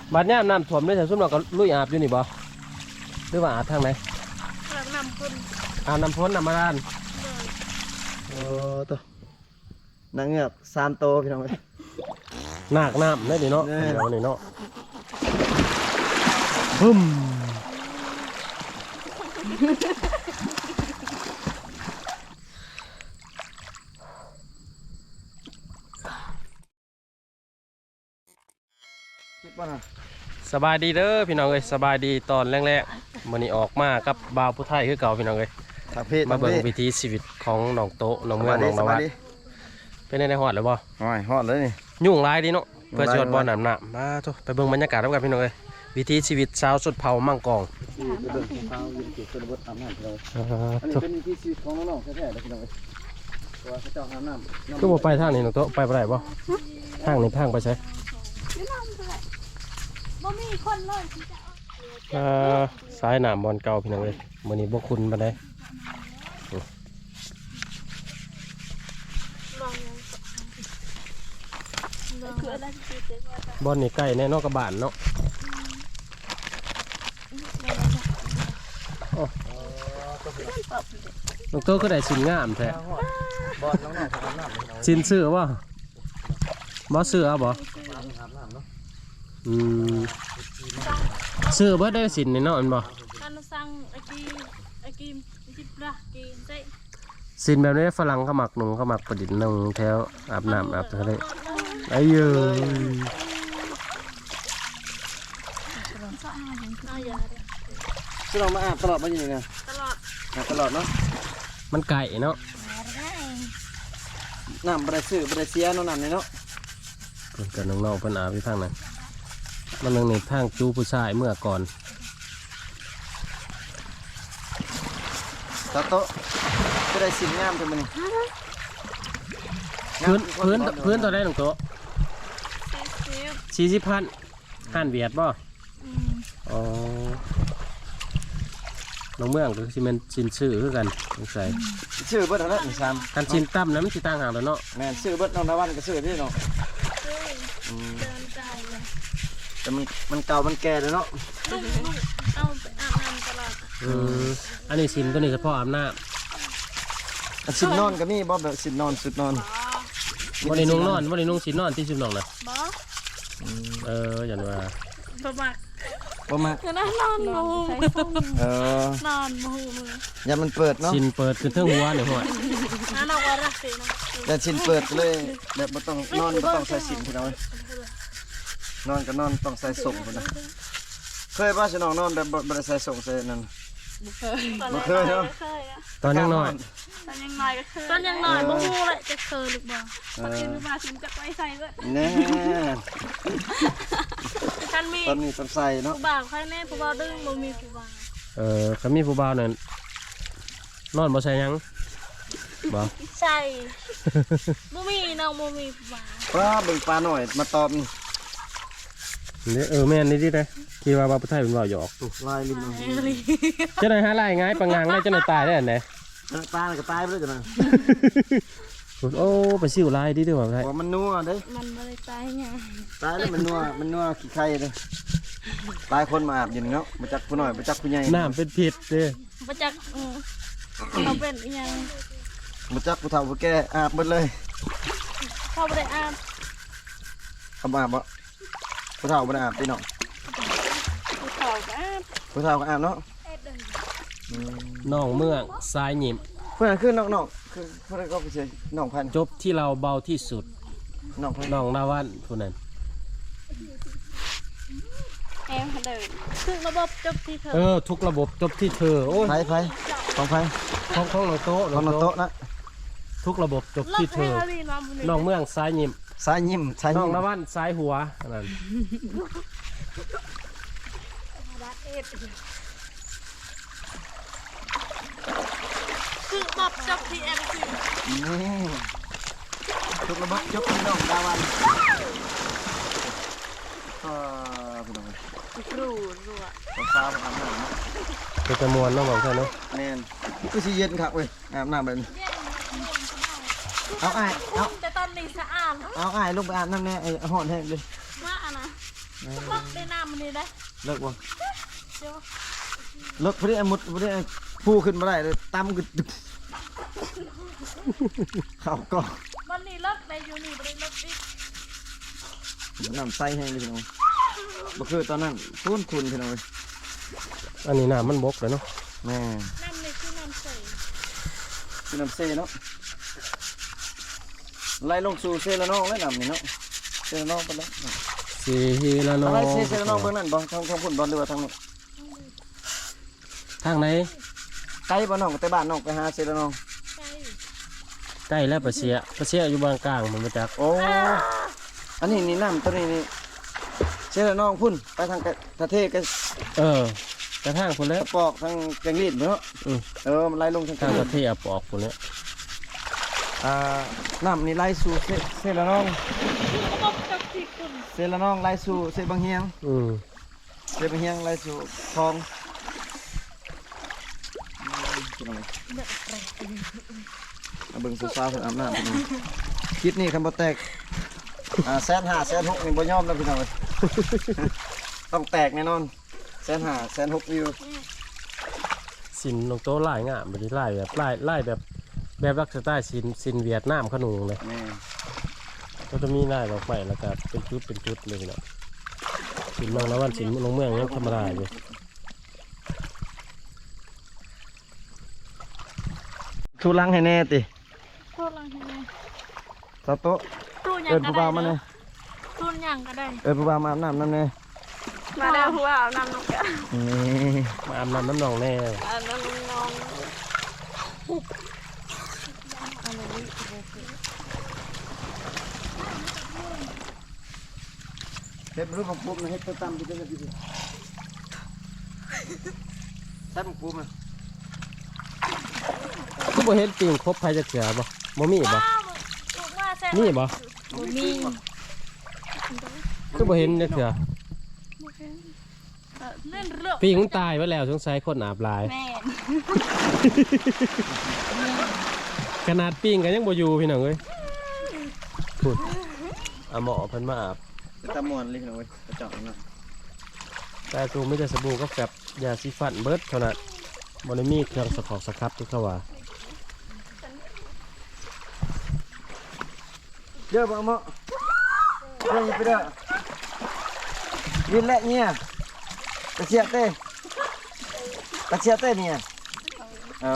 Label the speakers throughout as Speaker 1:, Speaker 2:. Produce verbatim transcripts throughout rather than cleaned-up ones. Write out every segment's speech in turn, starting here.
Speaker 1: บัดนี้น้ำท่วมได้แต่ซุ่มเราก็ลุยอาบอยู่นี่บ่หรือว่าอาบทางไหน
Speaker 2: อาบน้ำพ่น
Speaker 1: อาบน้ำพ้นน้ำมาด้าน
Speaker 3: โอ้ตัวนางเงือกสามโตพี่น้องเลย
Speaker 1: หนักน้ำได้ดิเนาะเดี๋ยวนี่เนาะบึ้มสบายดีเด้อพี่น้องเอ้ยสบายดีตอนแรกๆมื้อนี้ออกมากับบ่าวผู้ไทยคือเก่าพี่น้องเอ้ยมาเบิ่งวิถีชีวิตของน้องโตน้องเมืองน้องนวัดเป็นในฮอดหรือบ่
Speaker 3: ฮอดฮอดเลยนี่
Speaker 1: ยุ่งหลายดีเนาะเพื่อสิฮอดบ่อน้ำหนักมาโตไปเบิ่งบรรยากาศกันพี่น้องเอ้ยวิถีชีวิตชาวสุดเผามั่งกอง
Speaker 3: ไปเบิ่งเผาอยู่จุดชนบทอาบน้ำเลยอันนี้เป็นวิถีชีวิตของน้องๆแท้ๆเลยพี่น้องเอ้ยตัวเขาเจ้าอาบน้ำ
Speaker 1: คือบ่ไปทางนี้น้องโตไปบ่ได้บ่ทางนี้ทางไปใช่
Speaker 2: บ่มีคนเลย
Speaker 1: อ่าสายน้ำบอลเก่าพี่น้องเอ้ยมื้อนี้บ่คุ้นปานใดบอลนี่ใกล้แน่นอกกระบานเนาะน้องโตก็ได้สินงามแท้สินเสื้อวะบ่เสื้อบ่อืมเสื้อบ่ได้สินนี่เนาะอันบ่
Speaker 2: การสั่งไอ้กีไอ้กีจิบละกีเจ๊
Speaker 1: สินแบบนี้ฝรั่งเขาหมักหนุ่มเขาหมักประดิษฐ์นุ่งแถวอาบน้ำอาบทะเลไอ้เยอะ
Speaker 3: ซึ่งเรามาอาบตลอดมาอยู่นี่ไง
Speaker 2: ตลอด
Speaker 3: อาบตลอดเนาะ
Speaker 1: มันไก่เนาะ
Speaker 3: น้ำบริสุทธิ์บริเสียน้ำน้ำนี่เนาะ
Speaker 1: เพิ่นกับน้องๆเพิ่นอาบที่ทางนั้นมันนึงนี่ทางจูผู้ชายเมื่อก่อน
Speaker 3: ตาโตก็ได้สิ่งงามจังมัน
Speaker 1: พื้นพื้นพื้นตัวได้หนึ่งโต๊ะสี่สิบพันห้านเวียดบ่อ๋อน้องเมืองก็คือมันชินชื่อคือกันสงสัย
Speaker 3: ชื่อเบิร์ดอะไรหนึ่งสาม
Speaker 1: การชินตั้มนะมันชิตั้งห่างแล้วเนาะ
Speaker 3: แม่ชื่อเบิร์ดน้องนวันก็ชื่อที่เนาะแต่มันมันเก่ามันแก่เลยเนาะ
Speaker 2: เอาไปอาบน้ำตลอด
Speaker 1: อืมอันนี้ชินตัวนี้เฉพาะอาบน้
Speaker 3: ำชินนอนก็มีบ่แบบชินนอนสุดนอน
Speaker 1: วันนี้นุ่งนอนวันนี้นุ่งชินนอนที่ชินนอนนะ
Speaker 2: บ่
Speaker 1: เอออย่างว่า
Speaker 2: ประมาท
Speaker 3: ประมาท
Speaker 2: นอนนอนมู
Speaker 3: เออน
Speaker 2: อนมู
Speaker 3: อย่ามันเปิดเนาะ
Speaker 1: ชินเปิดคือเท่าหัวเนี่ยหัว
Speaker 2: นั่นเอาไว้รักสินะ
Speaker 3: อย่าชินเปิดเลยแบบไม่ต้องนอนไม่ต้องใส่สินพี่น้องนอนก็นอนต้องใส่ส่งคนนะเคยป่ะฉันนอนนอนแบบบริใส่ส่งใส่นั่น
Speaker 2: ไม่เคย
Speaker 3: เนาะ
Speaker 1: ตอนยังน้อย
Speaker 2: ตอนยังน้อยก็เคยตอนยังน้อยบ่ฮู้เลยจะเคยหรือเปล่าตอนนี้มาถึงจะไปใส่เลย
Speaker 3: แน่
Speaker 2: ท่านมี
Speaker 3: ตอนนี้ต้องใส่เนาะ
Speaker 2: ผู้บ่าวใครแน่ผู้บ่าวดึงบ่มีผู้บ่าว
Speaker 1: เออเขามีผู้บ่าวนั่นนอนบ่ใส่ยังบ่
Speaker 2: ใส่บ่มีน้องบ่มีผู้บ่าว
Speaker 3: ปลาเบิ่งปลาหน่อยมาตอบนี่
Speaker 1: เออแม่นนี่ดิได้คิดว่าบ่าวผู้ไทยเป็นบ่าวหยอก
Speaker 3: ลายลิ้น
Speaker 1: จะได้หาลายง่ายปังงางได้จะได้ตายได้อันไหน
Speaker 3: ตายก็ตายไปเลยจ้ะนะ
Speaker 1: โอ้ไปซิวลายดิด้วยว่าไง
Speaker 3: มันนัวเด้
Speaker 2: มันไม่ได้ตายไง
Speaker 3: ตายแล้วมันนัวมันนัวขี้ไข่เลยตายคนมาอาบอย่างเนาะมาจักผู้หน่อยมาจักผู้ใหญ่
Speaker 1: น้ำเป็นพิษเด้
Speaker 2: มาจักเราเป็นยัง
Speaker 3: มาจักผู้เฒ่าผู้แก่อาบหมดเลย
Speaker 2: เขาไม่ได้อาบ
Speaker 3: เขาอาบบ่ผู้เฒ่าไม่ได้อาบพี่น้อง
Speaker 2: ผู้เฒ่าก็อาบ
Speaker 3: ผู้เฒ่าก็อาบเนาะ
Speaker 1: น้องเมืองสายหยิม
Speaker 3: เพื่อนคือน้องน้องคือเพื่อนก็ไปเชียน้องพัน
Speaker 1: จบที่เราเบาที่สุด
Speaker 3: น้องพัน
Speaker 1: น้องนาวันผู้นั้น
Speaker 2: แอมเดินทุกระบบจบที่เธอ
Speaker 1: เออทุกระบบจบที่เธอโอ้ย
Speaker 3: ไฟไฟของไฟ
Speaker 1: ของของเราโต๊ะ
Speaker 3: ของเราโต๊ะนะ
Speaker 1: ทุกระบบจบที่เธอน้องเมืองสายหยิม
Speaker 3: สายยิ้มสาย
Speaker 1: น้องนาวันสายหัวนั่น
Speaker 2: คือบบจบที่เอ็มซี
Speaker 3: นี่ทุกระบบจบที่น้องดาวันก็พี่น้อง
Speaker 2: ครูรัว
Speaker 3: ต้องฟ้าไปทำหน้าเนาะ
Speaker 1: เป็นจำนวนน้องบอกใช่เนาะ
Speaker 3: แน่นก็สีเย็นครับเว้ยอาบน้ำแบบนี้เอาไอ้เอา
Speaker 2: แต่ตอนนี้สะอาด
Speaker 3: เอาไอ้ลงไปอาบน้ำแน่ไอ้ห่อนแห้งเลย
Speaker 2: ว่าอะนะล็อกได้น้ำมันนี่ได้
Speaker 3: เลิกบ่
Speaker 2: เดี๋ยว
Speaker 3: เลิกพอดีไอ้มุดพอดีไอ้ผู้ขึ้นมาได้เลยตั้มกึดเข้าก็
Speaker 2: วันนี้เลิกได้อยู่นี่บ่ได้เลิกอีก
Speaker 3: น้ำใส่ให้พี่น้องบ่คือตอนนั้นคุ้นคุณพี่น้อง
Speaker 1: อันนี้น้ำมันบกเลยเนาะ
Speaker 3: แม่
Speaker 2: น้ำนี่คือน้ำใส
Speaker 3: คือน้ำเซเนาะไล่ลงสู่เซละน้องแล้วน้ำนี่เนาะเซละน้องไปแล้ว
Speaker 1: สีละน้อ
Speaker 3: อะไร
Speaker 1: ง
Speaker 3: เซเซละน้องเบื้องนั้นบ่ทางทางพุ่นบ่หรือว่าทางนี้
Speaker 1: ทางไหน
Speaker 3: ไกลบ่น้องแต่บ้านน้องไปหาเซละน้อง
Speaker 2: ใช่
Speaker 1: ใกล้แล้วปะเสียปะเสียอยู่บางกลางมันมาจาก
Speaker 3: โอ้อันนี้นี่น้ำตัวนี้นี่เซละน้องพุ่นไปทางกระเทศกระ
Speaker 1: เออกระทั่งคนแล้ว
Speaker 3: ปอกทางแกงลีดเนาะ
Speaker 1: อืม
Speaker 3: เออมันไล่ลงทาง
Speaker 1: ทาง
Speaker 3: ก
Speaker 1: ป
Speaker 3: ระ
Speaker 1: ระ
Speaker 3: เท
Speaker 1: เท
Speaker 3: ศ
Speaker 1: ศปอกคนเนี้ย
Speaker 3: อ่าน้ำนี่ไล่สู่เซเซละน้อง
Speaker 2: ก็บอกกับที่คุณ
Speaker 3: เซละน้องไล่สู่เซบางเฮียง
Speaker 1: อืม
Speaker 3: เซบางเฮียงไล่สู่คลองเอาเบิ่งสาวๆเพิ่นอาบน้ำพี่น้องคิดนี่คันบ่แตกอ่าแสนห้าแสนหกนี่บ่ยอมแล้วพี่น้องเอ้ย ต้องแตกแน่นอนแสนห้าแสนหกวิว
Speaker 1: สินลงโต๊ะไล่งามแบบนี้ไล่แบบไล่ไล่แบบแบบรักสไตล์สินสินเวียดนามขนุงเลย
Speaker 3: แม่
Speaker 1: ก็จะมีไล่ดอกไม้แล้วก็เป็นจุดเป็นจุดเลยเนาะสินเมืองละวันสินลงเมืองยังธรรมดาอยู่
Speaker 3: ทุลังให้แน่ติ
Speaker 2: พูดลังให้ไง
Speaker 3: สาวโต๊ะ
Speaker 2: ตู้หยั
Speaker 3: เอิ
Speaker 2: ง
Speaker 3: น
Speaker 2: ก็
Speaker 3: ผู้
Speaker 2: ได้
Speaker 3: บ่าวมา
Speaker 2: เน
Speaker 3: แน่
Speaker 2: อะตู้หยังก็ได้
Speaker 3: เอินผู้บ่าวมาอาบน้ำนั่นแน่
Speaker 2: มาแล้วหัวเอาน้ำนกกะ
Speaker 3: นี่
Speaker 1: มาอาบน้ำน้ำหนองแน่
Speaker 2: อันนั้นน้อง
Speaker 3: เฮ็ดรูปของปุ๊บนะเฮ็ดตัวตั้มที่เป็นอะไรดิใส่ของปุ๊บนะ
Speaker 1: ก็บ่เห็นปิงครบภัยจะเสือบ่บ่มีบ่
Speaker 2: ว้าวลูกมาแซ่
Speaker 1: มีบ่
Speaker 2: บ่มี
Speaker 1: ก็บ่เห็นจะเสือ
Speaker 2: เออเล่นเรื่อง
Speaker 1: ปิงมันตายไปแล้วสงสัยคนอาบหลาย
Speaker 2: แม่
Speaker 1: ขนาดปิงก็ยังบ่อยู่พี่น้องเอ้ยพูดเอาหมอเพิ่นมาอาบ
Speaker 3: เป็นตามวนเลยพี่น้องเว้ยกระจอกนะ
Speaker 1: แต่ตัวไม่ได้สบู่ก็แบบยาสีฟันเบิดเท่านั้นบ่ได้มีเครื่องสกอกสครับที่เขาว่า
Speaker 3: เยอะบ่เมาะเยอะไปเด้อวินและเนี่ยกระเชียเต้กระเชียเต้เนี่ยเอา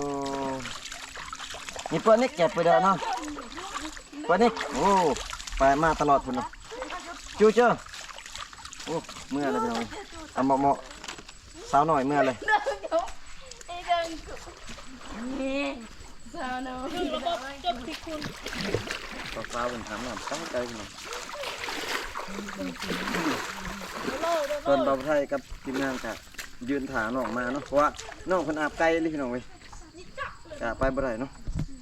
Speaker 3: นี่เปิ้นนี่แก็บไปเด้อเนาะเปิ้นนี่โอ้ไปมาตลอดพุ่นเนาะจูเจ้าโอ้เมื่อเลยพี่น้องเอาเหมาะเหมาะสาวหน่อยเมื่อเลย
Speaker 2: ไอ้เดินนี่สาวน้อยระบบจบที่คุณ
Speaker 3: ต่อสาวเป็นถามหน่อยตั้งใจพี่น้อง
Speaker 2: โลด
Speaker 3: ส่วนบ่าวไทยกับทีมงานกะยืนถาน้องมาเนาะเพราะว่าน้องเพิ่นอาบไกลเลยพี่น้องเว้ยกะไปบ่ได้เนาะ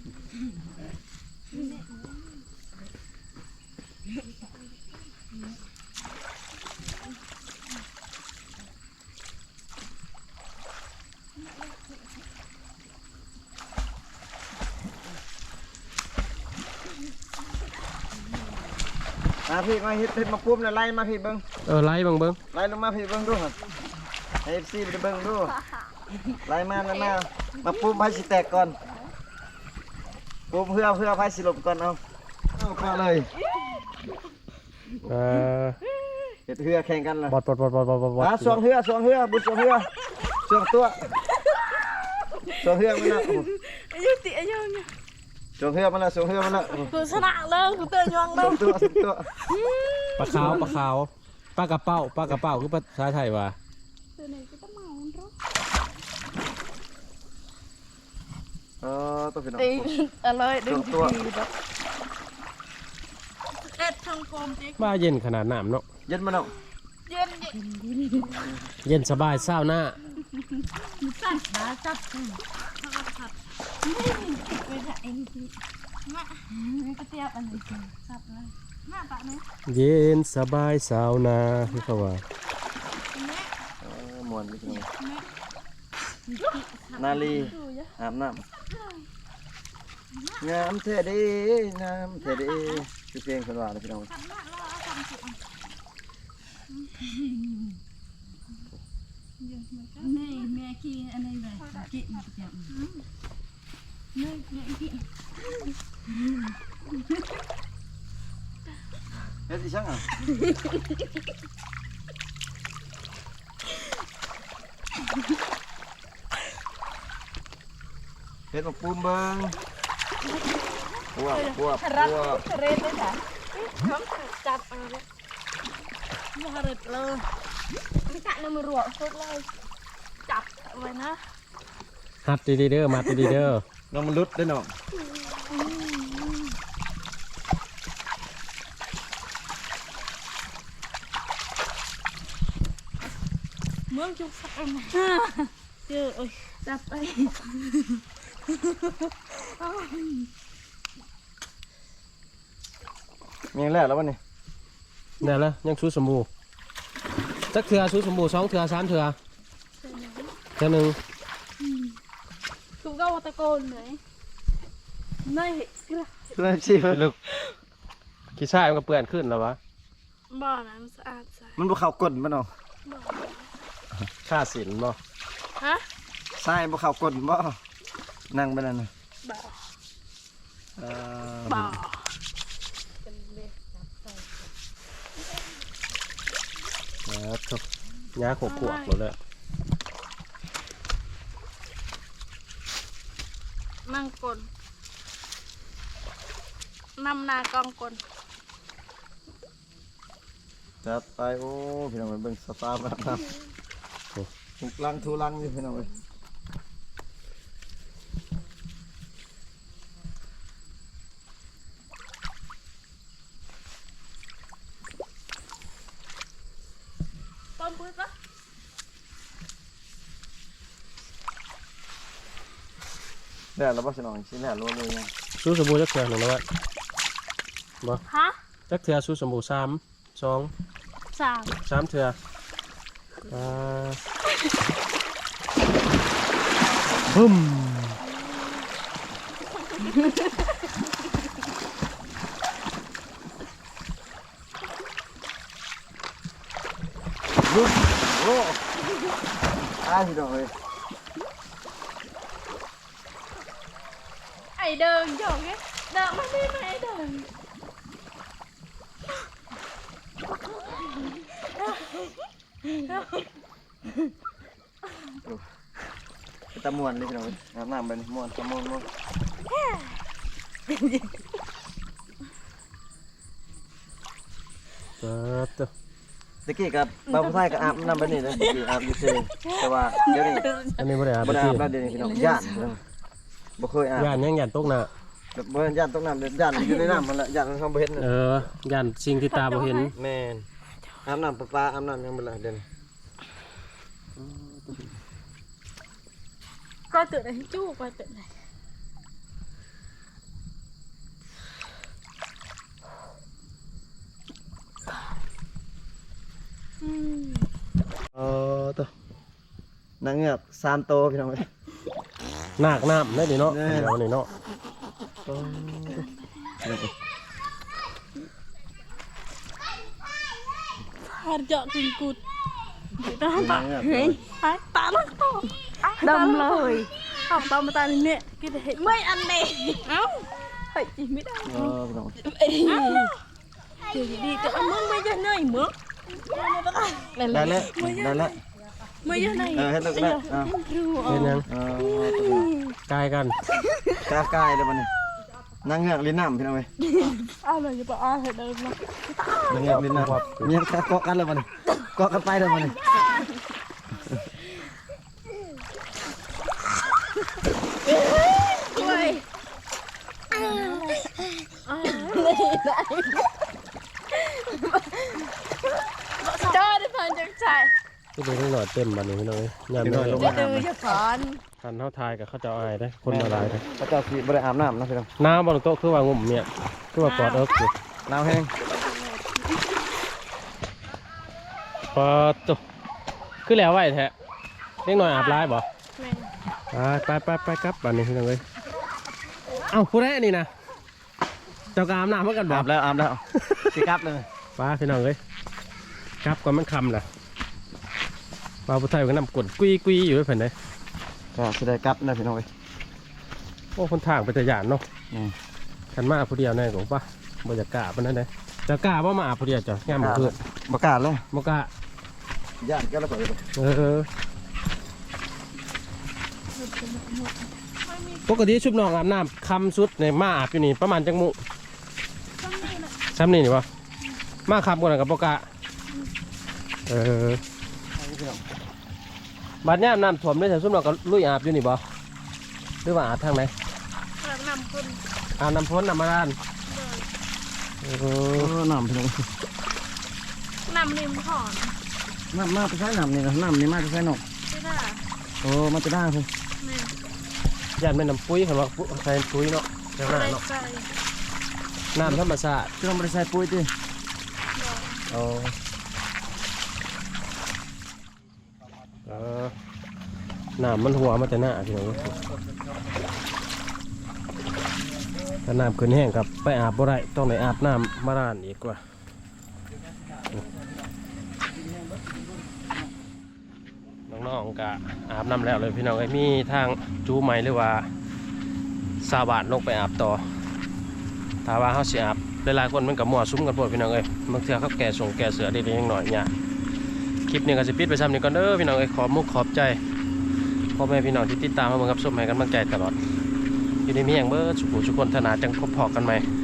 Speaker 3: มาพี่มาเฮ็ดเฮ็ดมาปุ๊บแล้วไล่มาพี่เบิ่ง
Speaker 1: เออไล่เบิ่งเบิ่ง
Speaker 3: ไล่ลงมาพี่เบิ่งดูครับให้ เอฟ ซี ไปเบิ่งดูไล่มาไล่มามาปุ๊บไผสิแตกก่อนปุ๊บเพื่อเพื่อไผสิหลบก่อนเอาเอาก็เลย
Speaker 1: เออ
Speaker 3: เฮ็ดเรือแข่งกันล่ะ
Speaker 1: บอดบอดบอดบอดบอดบอด
Speaker 3: อ่ะสวงเรือสวงเรือบุสวงเรือสวงตัวสวงเรือมาแล้ว
Speaker 2: อายุติอายุเนี่ย
Speaker 3: สวงเรือมาแล้วสวงเรือมาแล้ว
Speaker 2: กูชนะเลยกูเตือนยัง
Speaker 3: ส
Speaker 2: เล
Speaker 3: วย งตัวสวงตัว
Speaker 1: ปลาขาวปลาขาวปลากระเป้าปลากระเป้าคือภาษาไทยว่า
Speaker 2: ตัวไหนก็ต้องเมาเนาะ
Speaker 3: เออตัวพี่น้อง
Speaker 2: ตีอะไรดึง
Speaker 3: ตัว
Speaker 2: เอ็ดทางโฟมจิ๊ก
Speaker 1: ว่าเย็นขนาดน้ำเนาะ
Speaker 3: เย็นมาแล้ว
Speaker 2: เย็นเย็น
Speaker 1: เย็นสบายเศร้าหน้า
Speaker 2: สั่นมาจับข้าวผัดไปไหนมาไม่กระเทียบอันนี้จับเลยมาปะเนี่ย
Speaker 1: เย็นสบายเศร้าหน้าคือเขาว่า
Speaker 3: เออม่วนพี่น้องนาลีอาบน้ำงามเท่ดีงามเท่ดีคือเพลงคนว่าเลยพี่น้อง
Speaker 2: นี่แม่ขี้อันนี้เลยกินจังนี่แม่กิน
Speaker 3: เฮ็ดอีช่างอ่ะเฮ็ดมาปูมเบิ่งปวบปวบปวบ
Speaker 2: เรนเลยจ้ะน้องจับเอาเลยมาเร็ดเลยไม่กะน้ำมือรัวสุดเลยจับไว้นะ
Speaker 1: หัดดีๆเด้อมาดีๆเด้อ
Speaker 3: น้องมันลุดได้อน้อง
Speaker 2: เมืองจุกสักอันเจอโอ้ยจับไป
Speaker 3: มีอย่างแล้วแล้ววันนี้
Speaker 1: ได้แล้วยังชูสมบูจักเถื่อชูสมบูสองเถื่อสามเถื่อเถื่อหนึ่ง
Speaker 2: ถูกก็ตะโกนเลยนี่กระ
Speaker 3: เริ่มชิม
Speaker 1: ลึกขี้ชายมันก็เปื่อนขึ้นแล้ววะ
Speaker 2: บ่อน้ำสะอาดใส
Speaker 3: มันบ่เข้ากลนบ่น้อง
Speaker 2: บ่อ
Speaker 1: ค่าสินบ่
Speaker 2: ฮะ
Speaker 3: ทรายบ่เข้ากลนบ่นั่งไปนั่นน่ะ
Speaker 2: บ่อ
Speaker 3: เอ่อ
Speaker 2: บ่อ
Speaker 1: นะครับยาขบขวบหมดเลย
Speaker 2: นั่งกลนนำนากองกลน
Speaker 3: จัดไปโอ้พี่น้องไปเบิ่งสตาร์บัคครับทุกลังทุลังอยู่พี่น้องเอ้ย
Speaker 2: ต้นพุ้ยปะ
Speaker 3: ได้แล้วบ่สิน้องสิแล้วรัวเลยยัง
Speaker 1: ชูสมบูจักเถื่อหนึ่งแล้ววะบ่
Speaker 2: ฮะ
Speaker 1: จักเถื่อชูสมบูสามสอง
Speaker 2: สาม
Speaker 1: สามเถื่ออ่าบึ้ม
Speaker 3: ลุกโอ้อ้ายพี่น้องเอ้ย
Speaker 2: ไอเดินหยอกไงเดินมาดิมาไอเดิน
Speaker 3: ตะม่วนเลยพี่น้องเอ้ยอาบน้ำไปนี่ม่วนตะม่วนม่วน
Speaker 1: เออตัว
Speaker 3: ตะกี้กับบ่าวผู้ชายก็อาบน้ำไปนี่เลยตะกี้อาบอยู่ซื่อแต่ว่าเดี๋ยวนี้
Speaker 1: อันนี้บ่ได้อาบ
Speaker 3: บ่ได้
Speaker 1: ที่
Speaker 3: อาบแล้วเดี๋ยวนี้พี่น้องย่านพี่น้องบ่เคยอาบ
Speaker 1: ย่านยังย่านตกน่ะ
Speaker 3: แบบบ่ย่านตกน้ำเดี๋ยวย่านอยู่ในน้ำมันละย่านมันเขาบ่เห็นน่ะ
Speaker 1: เออย่านสิ่งที่ตาบ่เห็น
Speaker 3: แม่นอาบน้ำประปาอาบน้ำยังบ่ละเดี๋ยวนี้
Speaker 2: ก็ตื่นไอ้จู้ก็ตื่นไอ้
Speaker 3: เออตัวนางเงือกสามโตวพี่น้องเอ้ย
Speaker 1: หนักน้ำได้ดิเนาะ
Speaker 3: แน่
Speaker 1: เดี๋ยวนี่เนาะ
Speaker 2: ฮาร์จอกินกุดตาตาเฮ้ยตาลักต่อดำเลยทำตามมาตาเนี่ยกินเห็นไม่อันเดีเอ้าเฮ้ยไม่ได้
Speaker 3: เออพี่น้อง
Speaker 2: เอ้ยเดี๋ยวดีแต่มึงไม่จะเหนื่อยมึง
Speaker 3: ได้แล้วได้แล้ว
Speaker 2: ไม่จะเหนื่อย
Speaker 3: เออเฮ็ดแล้วก็ได้อ่า
Speaker 1: เป็นยัง
Speaker 3: เออตัวนี้
Speaker 1: กายกัน
Speaker 3: กล้ากายเลยบัดนี้นางเงือกลิ้นน้ำพี่น้องเอ้ย
Speaker 2: อ้าวเลยจะบอกอ้าวเห็นเดิมนะ
Speaker 3: นางเงือกลิ้นน้ำมียังเกาะกันเลยบัดนี้เกาะกันไปเลยบัดนี้
Speaker 2: ด้วยจอดเพิ่นจังใจ
Speaker 1: ที่เป็นนิดหน่อยเต็มบัดนี้พี่น้องเอ้ยยามนี้
Speaker 2: จะดูจะสอน
Speaker 1: คันเท่าทายกับเขาเจะอายได้คนมาหลายได้
Speaker 3: พระเจ้าสิบ่ได้อาบน้ำนะพี่น้อง
Speaker 1: น้ำบนโต๊ะคือว่างุ่มเนี่ยคือว่ากอดเอิ๊กอยู่
Speaker 3: น้ำแห้ง
Speaker 1: พอตุ๊คือแล้วไหวแท้เล็กหน่อยอาบร้ายบ่
Speaker 2: แม่
Speaker 1: ไปไปไปไปครับบัดนี้พี่น้องเอ้ยเอ้าผู้ใดอันนี้นะเจ้ากอาบน้ำเหมือนกันบ่
Speaker 3: อาบแล้วอาบแล้วสิกลับเลย
Speaker 1: ไปพี่น้องเอ้ยครับก่อนมันคำล่ะบ่าวผู้ไทยก็นำกดกุยกุยอยู่ด้วยเพิ่นเลย
Speaker 3: ก็สิได้กลับนะพี่น้องเอ้ย
Speaker 1: โอ้คนทางเป็นตะยานเนาะ
Speaker 3: อืม
Speaker 1: คันมาผู้เดียวแน่กว่าปะบรรยากาศปานนั้นเลยจะกล้าว่ามาผู้เดียวจ้ะงามเพื่อน
Speaker 3: บ่กล้าเลย
Speaker 1: บ่กล้า
Speaker 3: ย่านก็แล้วก็
Speaker 1: เออปกติชุบน้องอาบน้ำคำสุดในมาอาบอยู่นี่ประมาณจังมุซ้ำนี่นี่วะมาคำกันกับปกะเออบัดนี้น้ำท่วมได้แต่ชุบน้องก็ลุยอาบอยู่นี่บ่หรือว่าอาบทางไหน
Speaker 2: แบบนำคน
Speaker 1: อาบน้ำพ้นน้ำมาด้านเอ
Speaker 3: เอ
Speaker 1: อ
Speaker 3: อน้ำพี่น้อง
Speaker 2: นำริมหอน
Speaker 3: น้ำมาไปใช้น้ำนี่นะน้ำนี่มาไปใช้นก
Speaker 2: ไม่ได้
Speaker 3: โอ้มาจะได้พุ่น
Speaker 2: แม่
Speaker 1: ยันเป็นน้ำปุ้ยคำว่าปุ้ยใส่ปุ้ยเนาะใช่ไหม
Speaker 2: อะไร
Speaker 1: เนาะ
Speaker 2: ใส่
Speaker 1: น้ำธรรมชาติ
Speaker 3: คือเราไม่ได้ใส่ปุ๋ยติ
Speaker 1: อ๋อเออน้ำมันหัวมันจะหน้าพี่น้องถ้าน้ำขึ้นแห้งกับไปอาบบ่ได้ต้องไปอาบน้ำมาร้านอีกกว่าน้องๆก็อาบน้ำแล้วเลยพี่น้องไอ้ยมีทางจูใหม่หรือว่าซาบานลงไปอาบต่อถ้าว่าเขาสิอาบหลายๆคนมันกับมั่วซุ้มกันปวดพี่น้องเอ้ยบางเทื่อเขาแก่ส่งแก่เสือได้ๆยังหน่อยเนี่ยคลิปนี้ก็สิปิดไปซ้ำนี้ก่อนเด้อพี่น้องเอ้ยขอบมุกขอบใจพ่อแม่พี่น้องที่ติดตามมาเบิ่งกับชมให้กำลังใจตลอดอยู่ในเมียงเบิร์ดสุขุสุขคนธนาจังพบพอกันไหม